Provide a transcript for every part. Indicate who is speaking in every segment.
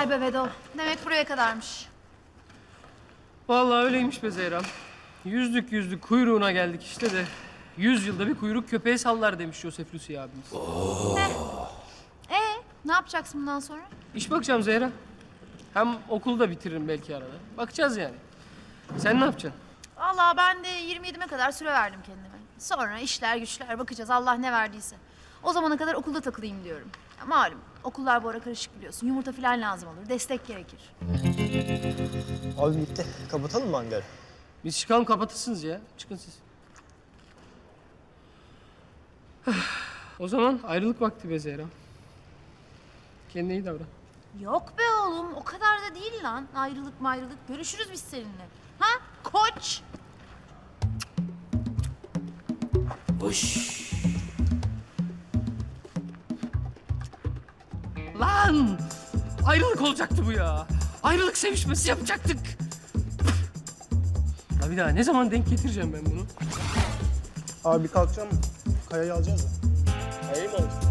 Speaker 1: Vay be Vedo. Demek buraya kadarmış.
Speaker 2: Vallahi öyleymiş be Zehra. Yüzdük kuyruğuna geldik işte de. 100 yılda bir kuyruk köpeğe sallar demiş Joseph Lucy abimiz.
Speaker 1: Ne yapacaksın bundan sonra?
Speaker 2: İş bakacağım Zehra. Hem okulu da bitiririm belki arada. Bakacağız yani. Sen ne yapacaksın?
Speaker 1: Vallahi ben de 27'me kadar süre verdim kendime. Sonra işler güçler bakacağız Allah ne verdiyse. O zamana kadar okulda takılayım diyorum. Ya malum okullar bu ara karışık biliyorsun. Yumurta falan lazım olur. Destek gerekir.
Speaker 3: Abi bitti. Kapatalım mı hangarı?
Speaker 2: Biz çıkalım kapatırsınız ya. Çıkın siz. O zaman ayrılık vakti be Zehra. Kendine iyi davran.
Speaker 1: Yok be oğlum o kadar da değil lan. Ayrılık mayrılık. Görüşürüz biz seninle. Ha koç?
Speaker 2: Lan! Ayrılık olacaktı bu ya. Ayrılık sevişmesi yapacaktık. Ya bir daha ne zaman denk getireceğim ben bunu?
Speaker 3: Abi kalkacağım. Kayayı alacağız da.
Speaker 2: Kayayı mı alacağız?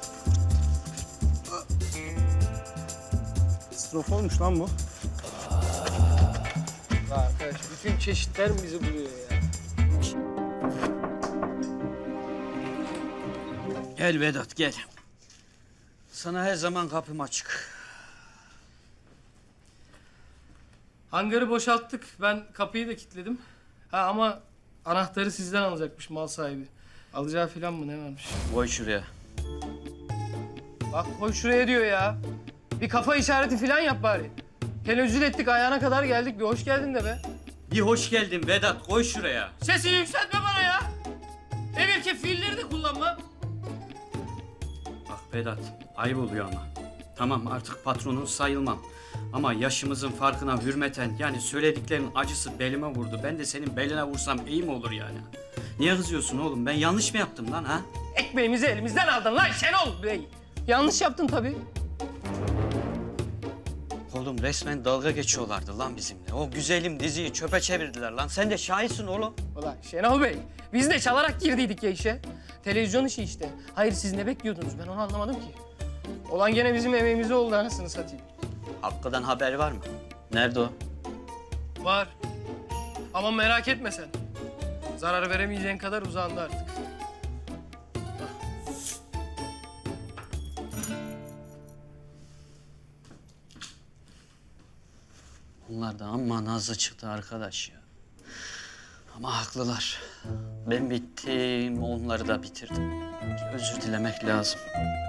Speaker 3: Strofolmuş lan bu.
Speaker 2: Arkadaş bütün çeşitler mi bizi buluyor ya?
Speaker 4: Gel Vedat gel. Sana her zaman kapım açık.
Speaker 2: Hangarı boşalttık. Ben kapıyı da kilitledim. Ha ama anahtarı sizden alacakmış mal sahibi. Alacağı falan mı ne varmış?
Speaker 4: Koy şuraya.
Speaker 2: Bak koy şuraya diyor ya. Bir kafa işareti falan yap bari. Tenezzül ettik ayağına kadar geldik. Bir hoş geldin de be.
Speaker 4: Bir hoş geldin Vedat koy şuraya.
Speaker 2: Sesini yükseltme bana ya. Emirke fiilleri de kullanma.
Speaker 4: Bak Vedat ayıp oluyor ama. Tamam artık patronun sayılmam. Ama yaşımızın farkına hürmeten yani söylediklerinin acısı belime vurdu. Ben de senin beline vursam iyi mi olur yani? Niye kızıyorsun oğlum? Ben yanlış mı yaptım lan ha?
Speaker 2: Ekmeğimizi elimizden aldın lan Şenol Bey. Yanlış yaptın tabii.
Speaker 4: Oğlum resmen dalga geçiyorlardı lan bizimle. O güzelim diziyi çöpe çevirdiler lan. Sen de şahitsin oğlum.
Speaker 2: Ulan Şenol Bey, biz de çalarak girdiydik ya işe. Televizyon işi işte. Hayır siz ne bekliyordunuz ben onu anlamadım ki. Olan gene bizim emeğimize oldu anasını satayım.
Speaker 4: Hakkı'dan haber var mı? Nerede o?
Speaker 2: Var. Ama merak etme sen. Zarar veremeyeceğin kadar uzandı artık.
Speaker 4: Bunlar da amma nazlı çıktı arkadaş ya. Ama haklılar. Ben bittim, onları da bitirdim. Özür dilemek lazım.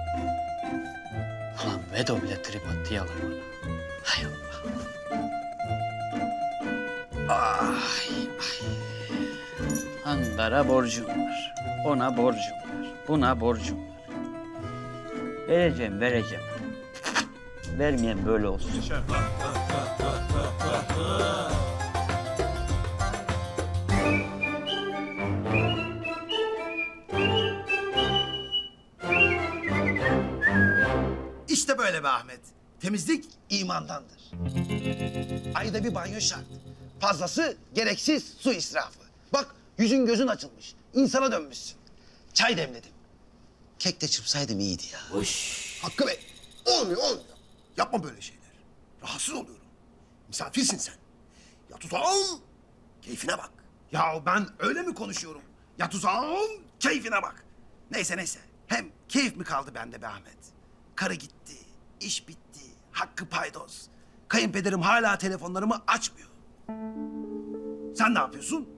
Speaker 4: Ulan Vedo bile trip attı yalan bana. Hay Allah. Ay. Hangar'a borcum var. Ona borcum var. Buna borcum var. Vereceğim. Vermeyen böyle olsun.
Speaker 5: İşte böyle be Ahmet. Temizlik imandandır. Ayda bir banyo şart. Fazlası gereksiz su israfı. Bak yüzün gözün açılmış. İnsana dönmüşsün. Çay demledim. Kek de çırpsaydım iyiydi ya.
Speaker 6: Hakkı Bey, olmuyor. Yapma böyle şeyler. Rahatsız oluyorum. Misafirsin sen. Yat uzağım, keyfine bak. Ya ben öyle mi konuşuyorum? Yat uzağım, keyfine bak. Neyse. Hem keyif mi kaldı bende be Ahmet? Karı gitti, iş bitti, Hakkı paydos. Kayınpederim hala telefonlarımı açmıyor. Sen ne yapıyorsun?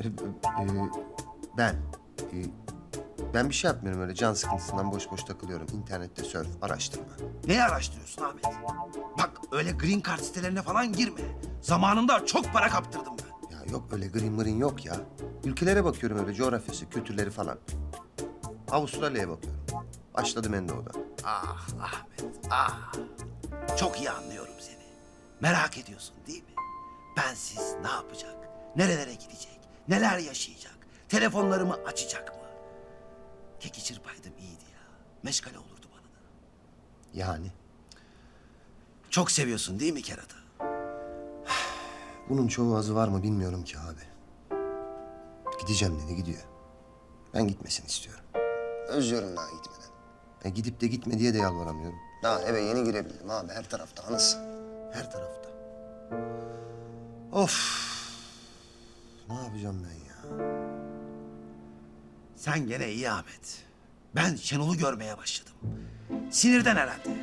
Speaker 7: Ben bir şey yapmıyorum öyle can sıkıntısından boş boş takılıyorum. İnternette surf, araştırma.
Speaker 5: Neyi araştırıyorsun Ahmet? Bak öyle green card sitelerine falan girme. Zamanında çok para kaptırdım ben.
Speaker 7: Ya yok öyle green mırın yok ya. Ülkelere bakıyorum öyle coğrafyası, kültürleri falan. Avustralya'ya bakıyorum. Başladım en doğuda.
Speaker 5: Ah Ahmet, ah. Çok iyi anlıyorum seni. Merak ediyorsun değil mi? Bensiz ne yapacak? Nerelere gidecek? Neler yaşayacak? Telefonlarımı açacak mı? Keki çırpaydım iyiydi ya. Meşgale olurdu bana da.
Speaker 7: Yani
Speaker 5: Çok seviyorsun değil mi kerata?
Speaker 7: bunun çoğu azı var mı bilmiyorum ki abi. Gideceğim dedi gidiyor. Ben gitmesini istiyorum. Özlüyorum daha gitmeden. Gidip de gitme diye de yalvaramıyorum. Daha eve yeni girebildim abi. Her tarafta anasın. Her tarafta. Of. Ne yapacağım ben ya?
Speaker 5: Sen gene iyi Ahmet. Ben Şenol'u görmeye başladım. Sinirden herhalde.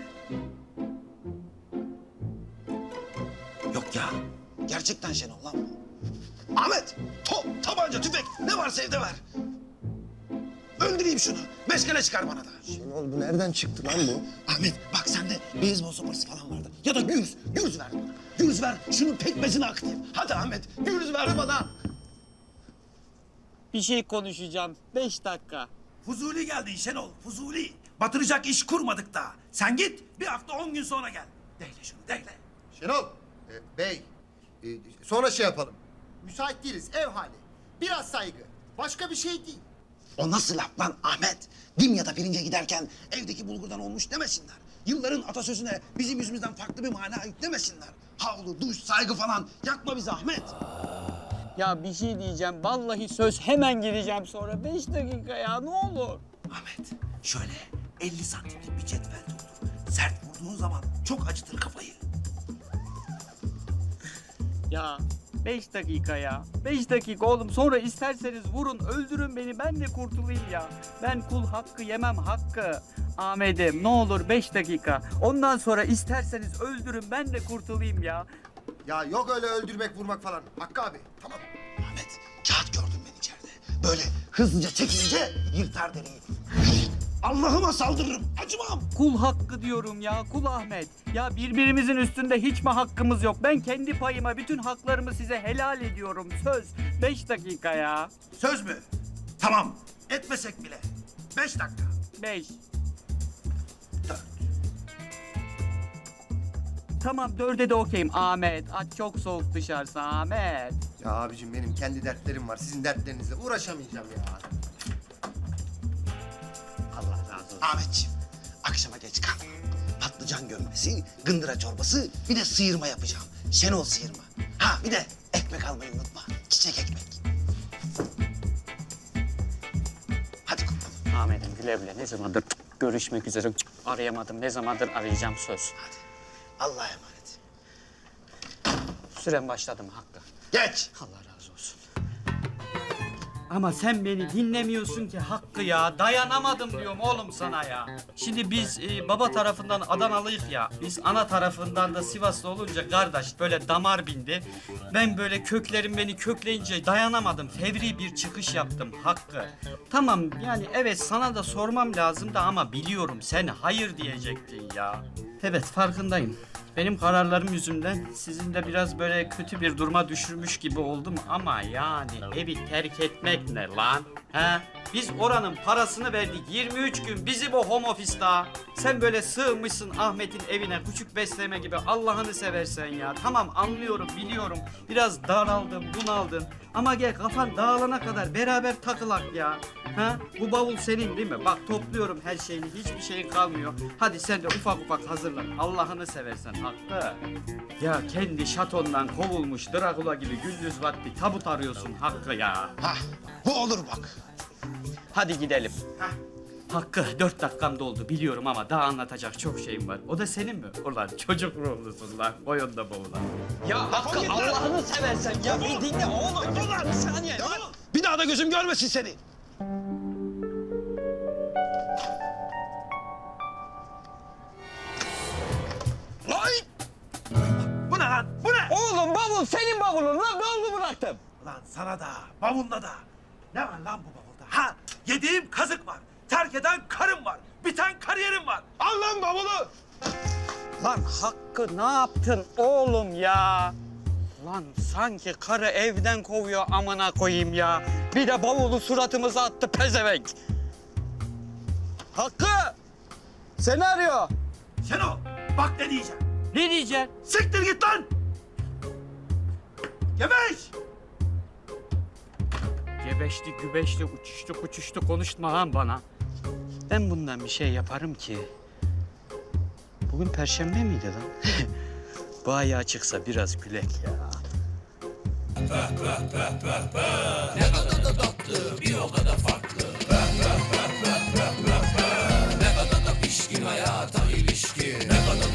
Speaker 5: Yok ya. Gerçekten Şenol lan bu. Ahmet! Top, tabanca, tüfek ne varsa evde ver. Öldüreyim şunu. Meşgale çıkar bana da.
Speaker 7: Şenol bu nereden çıktı lan bu?
Speaker 5: Ahmet bak sende beyzbol sopası falan vardı. Ya da gürz. Gürz ver bana. Gürz ver. Şunun pekmezini akıtayım. Hadi Ahmet. Gürz ver bana.
Speaker 8: Bir şey konuşacağım. 5 dakika.
Speaker 5: Fuzuli geldin Şenol. Fuzuli. Batıracak iş kurmadık daha. Sen git. Bir hafta 10 gün sonra gel. Deyle şunu deyle.
Speaker 7: Şenol. Bey. Sonra şey yapalım. Müsait değiliz. Ev hali. Biraz saygı. Başka bir şey değil.
Speaker 5: O nasıl laf lan Ahmet? Dimya'da pirince giderken evdeki bulgurdan olmuş demesinler. Yılların atasözüne bizim yüzümüzden farklı bir mana yüklemesinler. Havlu, duş, saygı falan. Yakma bizi Ahmet.
Speaker 8: Ya bir şey diyeceğim. Vallahi söz hemen gideceğim sonra. 5 dakika ya ne olur.
Speaker 5: Ahmet şöyle 50 santimlik bir cetvel doldur. Sert vurduğun zaman çok acıtır kafayı.
Speaker 8: Ya 5 dakika ya. 5 dakika oğlum. Sonra isterseniz vurun, öldürün beni. Ben de kurtulayım ya. Ben kul hakkı yemem hakkı. Ahmet'im ne olur 5 dakika. Ondan sonra isterseniz öldürün ben de kurtulayım ya.
Speaker 7: Ya yok öyle öldürmek vurmak falan. Hakkı abi. Tamam.
Speaker 5: Ahmet kağıt gördüm ben içeride. Böyle hızlıca çekilince yırtar deriyi. Allah'ıma saldırırım. Acımam.
Speaker 8: Kul hakkı diyorum ya, kul Ahmet. Ya birbirimizin üstünde hiç mi hakkımız yok? Ben kendi payıma bütün haklarımı size helal ediyorum. Söz. 5 dakika ya.
Speaker 5: Söz mü? Tamam. Etmesek bile. 5 dakika.
Speaker 8: 5.
Speaker 5: 4.
Speaker 8: Tamam 4'e de okeyim. Ahmet, aç çok soğuk dışarısı Ahmet.
Speaker 7: Ya abicim benim kendi dertlerim var. Sizin dertlerinizle uğraşamayacağım ya.
Speaker 5: Allah razı olsun. Ahmetciğim, akşama geç kal. Patlıcan gömmesi, gındıra çorbası, bir de sıyırma yapacağım. Şenol sıyırma. Ha bir de ekmek almayı unutma. Çiçek ekmek. Hadi kurtulun.
Speaker 8: Ahmet'im güle güle. Ne zamandır görüşmek üzere arayamadım. Ne zamandır arayacağım söz.
Speaker 5: Hadi. Allah'a emanet.
Speaker 8: Süren başladı mı Hakkı?
Speaker 5: Geç.
Speaker 8: Allah razı olsun. Ama sen beni dinlemiyorsun ki Hakkı ya. Dayanamadım diyorum oğlum sana ya. Şimdi biz baba tarafından Adanalıyık ya. Biz ana tarafından da Sivaslı olunca kardeş böyle damar bindi. Ben böyle köklerim beni kökleyince dayanamadım. Fevri bir çıkış yaptım Hakkı. Tamam yani evet sana da sormam lazım da ama biliyorum sen hayır diyecektin ya. Evet farkındayım. Benim kararlarım yüzünden sizin de biraz böyle kötü bir duruma düşürmüş gibi oldum ama yani evi terk etmek ne lan? He? Biz oranın parasını verdik 23 gün bizi bu home office'ta. Sen böyle sığmışsın Ahmet'in evine küçük besleme gibi Allah'ını seversen ya. Tamam anlıyorum biliyorum biraz daraldın bunaldın ama gel kafan dağılana kadar beraber takılak ya. Ha? Bu bavul senin değil mi? Bak topluyorum her şeyini hiçbir şeyin kalmıyor. Hadi sen de ufak ufak hazırlan Allah'ını seversen Hakkı. Ya kendi şatondan kovulmuş Drakula gibi gündüz vakti tabut arıyorsun Hakkı ya.
Speaker 5: Hah, bu olur bak.
Speaker 8: Hadi gidelim. Hakkı 4 dakikam doldu biliyorum ama daha anlatacak çok şeyim var. O da senin mi? Ulan çocuk ruhlusun lan. Boyunda boğulan. Ya Hakkı Allah'ını seversen ya bir dinle oğlum. Bir saniye.
Speaker 5: Bir daha da gözüm görmesin seni. Ay! Bu ne lan? Bu ne?
Speaker 8: Oğlum bavul senin bavulun lan. Ben onu bıraktım.
Speaker 5: Lan sana da, bavulda da. Ne var lan bu bavulda? Ha, yediğim kazık var. Terk eden karım var. Biten kariyerim var. Al lan bavulu.
Speaker 8: Lan Hakkı ne yaptın oğlum ya? Lan sanki karı evden kovuyor amına koyayım ya. Bir de bavulu suratımıza attı pezevenk. Hakkı! Seni arıyor.
Speaker 5: Şenol, bak ne diyeceğim.
Speaker 8: Ne diyeceksin?
Speaker 5: Siktir git lan. Gebeş.
Speaker 8: Gebeşti, gübeşti, uçuştu, uçuştu konuşma lan bana. Ben bundan bir şey yaparım ki. Bugün Perşembe miydi lan? Bu ayağı çıksa biraz gülek ya.
Speaker 9: ilişkin hayata ilişkin. Ne kadar